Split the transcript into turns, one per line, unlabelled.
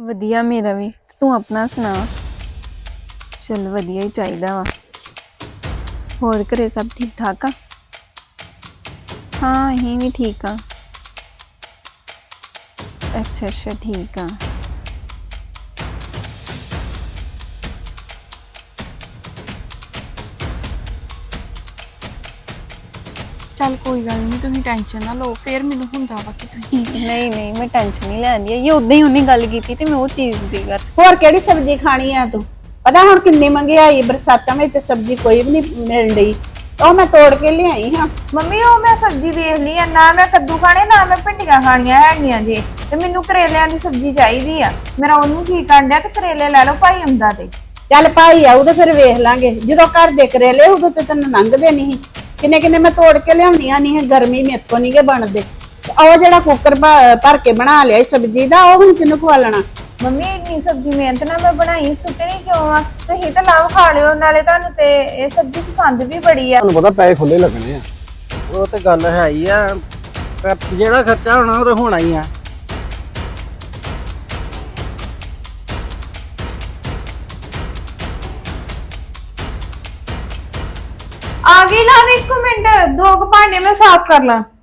ਵਧੀਆ ਮੇਰਾ ਵੀ। ਤੂੰ ਆਪਣਾ ਸੁਣਾ। ਚਲ ਵਧੀਆ ਹੀ ਚਾਹੀਦਾ ਵਾ। ਹੋਰ ਘਰੇ ਸਭ ਠੀਕ ਠਾਕ ਆ? ਹਾਂ ਅਸੀਂ ਵੀ ਠੀਕ ਆ। ਅੱਛਾ ਅੱਛਾ ਠੀਕ ਆ।
ਚੱਲ ਕੋਈ ਗੱਲ ਨਹੀਂ, ਤੁਸੀਂ ਟੈਨਸ਼ਨ ਨਾ ਲਓ। ਫਿਰ ਮੈਨੂੰ ਹੁੰਦਾ ਵਾ ਕਿ ਤੁਸੀਂ
ਨਹੀਂ ਨਹੀਂ ਮੈਂ ਟੈਨਸ਼ਨ ਨਹੀਂ ਲੈਂਦੀ। ਇਹ ਉਦਾਂ ਹੀ ਉਹਨੇ ਗੱਲ ਕੀਤੀ ਤੇ ਮੈਂ ਉਹ ਚੀਜ਼ ਦੀ ਗੱਲ।
ਹੋਰ ਕਿਹੜੀ ਸਬਜ਼ੀ ਖਾਣੀ ਆ ਤੂੰ? ਪਤਾ ਹੁਣ ਕਿੰਨੀ ਮਹਿੰਗਾਈ ਬਰਸਾਤਾਂ ਵਿੱਚ ਤੇ ਸਬਜ਼ੀ ਕੋਈ ਵੀ ਨਹੀਂ ਮਿਲ ਰਹੀ। ਉਹ ਮੈਂ ਤੋੜ ਕੇ ਲਿਆਈ ਹਾਂ।
ਮੰਮੀ ਉਹ ਮੈਂ ਸਬਜ਼ੀ ਵੇਖ ਲਈ ਆ, ਨਾ ਮੈਂ ਕੱਦੂ ਖਾਣੇ ਨਾ ਮੈਂ ਭਿੰਡੀਆਂ ਖਾਣੀਆਂ ਹੈਗੀਆਂ ਜੀ। ਤੇ ਮੈਨੂੰ ਕਰੇਲਿਆਂ ਦੀ ਸਬਜ਼ੀ ਚਾਹੀਦੀ ਆ। ਮੇਰਾ ਉਹਨੂੰ ਜੀ ਕਰਨ ਤੇ ਕਰੇਲੇ ਲੈ ਲਓ ਭਾਈ ਆਉਂਦਾ ਤੇ।
ਚੱਲ ਭਾਈ ਆਊ ਤੇ ਫਿਰ ਵੇਖ ਲਾਂਗੇ। ਜਦੋਂ ਘਰ ਦੇ ਕਰੇਲੇ ਉਦੋਂ ਤੇ ਤੈਨੂੰ ਲੰਘਦੇ ਨਹੀਂ। ਕਿੰਨੇ ਕਿੰਨੇ ਮੈਂ ਤੋੜ ਕੇ ਲਿਆਉਣੀਆਂ ਨਹੀਂ। ਗਰਮੀ ਮੇਥੋਂ ਨਹੀਂ ਗੇ ਬਣਦੇ। ਉਹ ਜਿਹੜਾ ਕੁੱਕਰ ਭਰ ਕੇ ਬਣਾ ਲਿਆ ਸਬਜ਼ੀ ਦਾ, ਉਹ ਹੁਣ ਕਿਹਨੂੰ ਖਵਾ ਲੈਣਾ?
ਮੰਮੀ ਇੰਨੀ ਸਬਜ਼ੀ ਮਿਹਨਤ ਨਾਲ ਮੈਂ ਬਣਾਈ, ਸੁੱਟਣੀ ਕਿਉਂ ਆ? ਤੁਸੀਂ ਤਾਂ ਲਾਭ ਖਾ ਲਿਓ, ਨਾਲੇ ਤੁਹਾਨੂੰ ਤੇ ਇਹ ਸਬਜ਼ੀ ਪਸੰਦ ਵੀ ਬੜੀ ਆ।
ਤੁਹਾਨੂੰ ਪਤਾ ਪੈਸੇ ਖੁੱਲੇ ਲੱਗਣੇ ਆ।
ਉਹ ਤੇ ਗੱਲ ਹੈ ਹੀ ਆ, ਪਰ ਜਿਹੜਾ ਖਰਚਾ ਹੋਣਾ ਉਹ ਤੇ ਹੋਣਾ ਹੀ ਆ।
ਆ ਗਈ ਲਾਭ, ਇੱਕ ਮਿੰਟ, ਦੋ ਕੁ ਭਾਂਡੇ ਮੈਂ ਸਾਫ਼ ਕਰ ਲਾਂ।